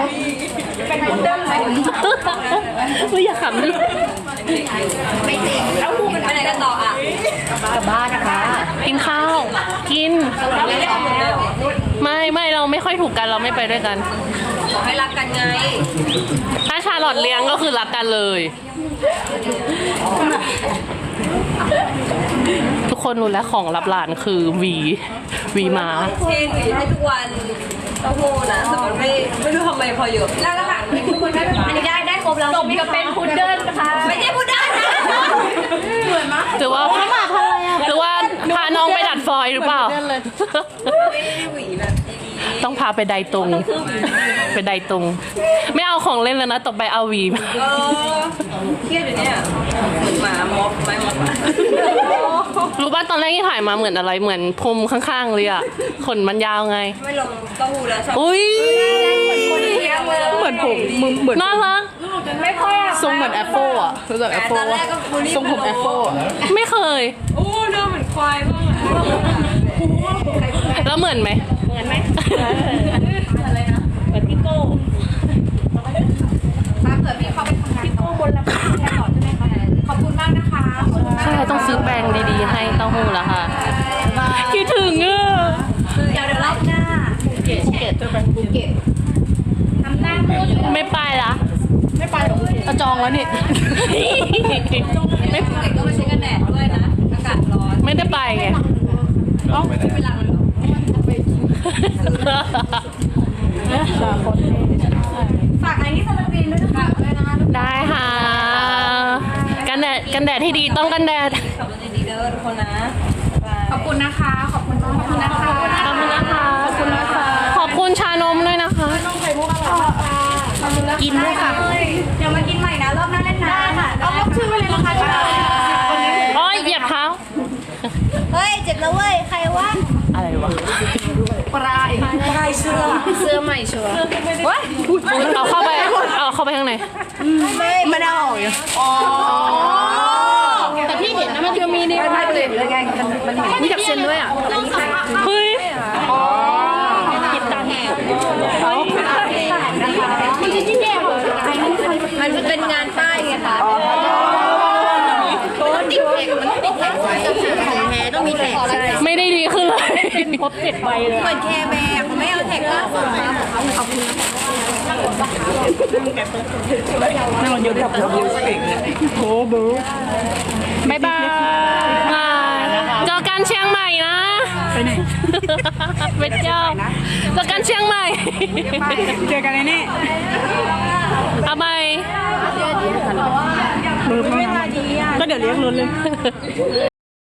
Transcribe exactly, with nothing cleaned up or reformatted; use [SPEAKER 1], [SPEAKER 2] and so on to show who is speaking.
[SPEAKER 1] เป็นพุดเดิ้ลไหมไม่อยากขำดิไม่จริงแล้วพูดกันไปไหนกันต่ออ่ะกลับบ้านนะคะกินข้าวกินไม่ไม่เราไม่ค่อยถูกกันเราไม่ไปด้วยกันให้รักกันไงถ้าชาลอตเลี้ยงก็คือรักกันเลยทุกคนรู้แล้วของรับหลานคือวีวีมาเทหวีให้ทุกวันเต้าหู้นะแต่มันไม่ไม่รู้ทำไมพอเยอะแล้วล่ะค่ะทุกคนได้อันนี้ได้ได้ครบแล้วมีก็เป็นพุดเดิ้ลนะคะไม่ใช่พุดเดิ้ลนะเหมือนมั้ยหรือว่าเขามาทำอะไรอ่ะหรือว่าพาน้องไปดัดฟอยหรือเปล่าต้องพาไปไดตรงไปไดตรงไม่เอาของเล่นแล้วนะต่อไปเอาวีเออเครียดอยู่เนี่ยเหมือนหมาม็อบไม่ม็อบรู้ป่ะตอนแรกที่ถ่ายมาเหมือนอะไรเหมือนพรมข้างๆเลยอ่ะขนมันยาวไงไม่ลงเต้าหู้แล้วชอบอุ้ยเหมือนผมมึงเหมือนน่ารักไม่ค่อยทรงเหมือนแอปเปิลอ่ะรู้จักแอปเปิลว่าทรงผมแอปเปิลไม่เคยโอ้หน้าเหมือนควายมากแล้วเหมือนไหมเหมือนไหมอะไรนะเหมือนพี่โก้ถ้าเกิดพี่เขาไปทำงานพี่โก้บนแล้วพี่แทนต่อใช่ไหมคะขอบคุณมากนะคะใช่ต้องซื้อแปรงดีๆให้เต้าหู้แล้วค่ะคิดถึงอ่ะเดี๋ยวเดี๋ยวรอบหน้าภูเก็ตภูเก็ตจะไปภูเก็ตทำหน้าพูดไม่ไปละไม่ไปหรอกจะจองแล้วนี่ไม่ภูเก็ตก็มาใช้กันแดดด้วยนะอากาศร้อนไม่ได้ไปไงอ๋อไม่เป็นไรฝากไอ้นี่สลับบินด้วยนะคะได้ค่ะกันแดดกันแดดที่ดีต้องกันแดดขับรถดีๆเด้อทุกคนนะขอบคุณนะคะขอบคุณขอบคุณนะคะขอบคุณนะคะขอบคุณนะคะขอบคุณชานมด้วยนะคะนมไข่มุกอร่อยค่ะกินด้วยค่ะเดี๋ยวมากินใหม่นะรอบหน้าเล่นน้ำค่ะเอาล็อกชื่อไว้เลยนะคะโอ้ยเหยียบเท้าเฮ้ยเจ็บแล้วเว้ยใครวะอะไรวะปลายปลายเสื้อเสื้อใหม่ชัวร์ว้ายเอาเข้าไปเอาเข้าไปข้างในไม่ไม่ได้ออกอยู่อ๋อแต่พี่เห็นนะมันจะมีนี่ไม่เปลี่ยนเลยไงมันมีกับเซนด้วยอ่ะเฮ้ยอ๋อติดตาแหกมันจะยิ่งแย่เลยมันเป็นงานป้ายไงคะติดแท็กมันติดแท็กของแท้ต้องมีแท็กไม่ได้ดีขึ้นเลยพบเจ็ดใบเลยเหมือนแคร์แบร์เขาไม่เอาแท็กล่าสุดมาขอบคุณนั่งรถยนต์กับรถยนต์โอ้โหบ๊ายบายเจอกันเชียงใหม่นะไปไหนไปเที่ยวเจอกันเชียงใหม่เจอกันในนี่เอาไปมือไม่มาดีอ่ะก็เดี๋ยวเลี้ยงรถเลย